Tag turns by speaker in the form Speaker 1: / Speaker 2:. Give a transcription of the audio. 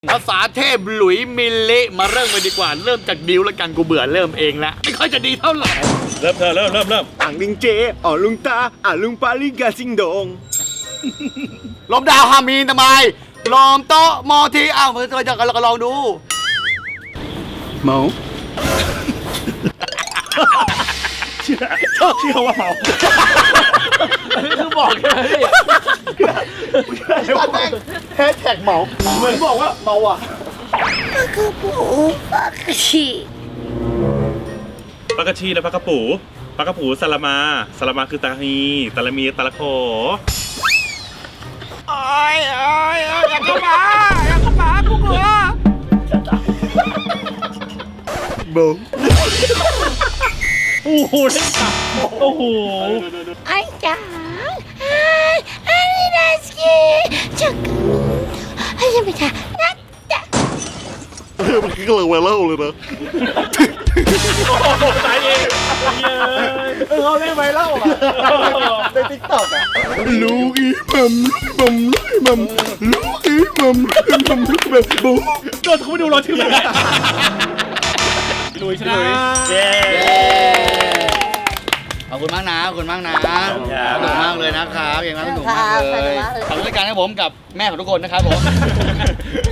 Speaker 1: ภาษาเทพหลุยมิลลิมาเริ่มกันดีกว่าเริ่มจากดิวแล้วกันกูเบื่อเริ่มเองแล้วไม่ค่อยจะดีเท่าไหร่
Speaker 2: เริ่ม
Speaker 3: อ่างลิงเจอ๋อลุงตาลุงปาลิงกาซิงโดง
Speaker 1: ลมดาวฮามีนทำไมลมโตะมอทีอ้าวเมื่อจะลองดู
Speaker 3: เมา
Speaker 2: เชื่อว่าเมา
Speaker 1: อันนี้คือบอกเลย
Speaker 3: แฮชแท็กเมาเหมือนบอกว่าเมาอ่ะ
Speaker 2: ปลากระชีและปลากระปูสลามาคือตาฮีตาลามีตาละโข
Speaker 1: อยากเข้ามากูกลัว
Speaker 3: เมา
Speaker 2: โอ้โหเล่นกับโอ้โห
Speaker 3: มันคือกำลังไวรัลเลยนะ
Speaker 2: ตายเอง
Speaker 3: เขาเล่นไวรัลอ่ะในติ๊กต็อกอ่ะลูกอีมัมลูกอีมัมแบบบู
Speaker 2: โดนเขาไม่ดูรอถือเลยลุยชนะเย้
Speaker 1: ขอบคุณมากนะขอบคุณมากนะสนุกมากเลยนะครับอย่างนั้นสนุกมากเลยขอบคุณรายการให้ผมกับแม่ของทุกคนนะครับผม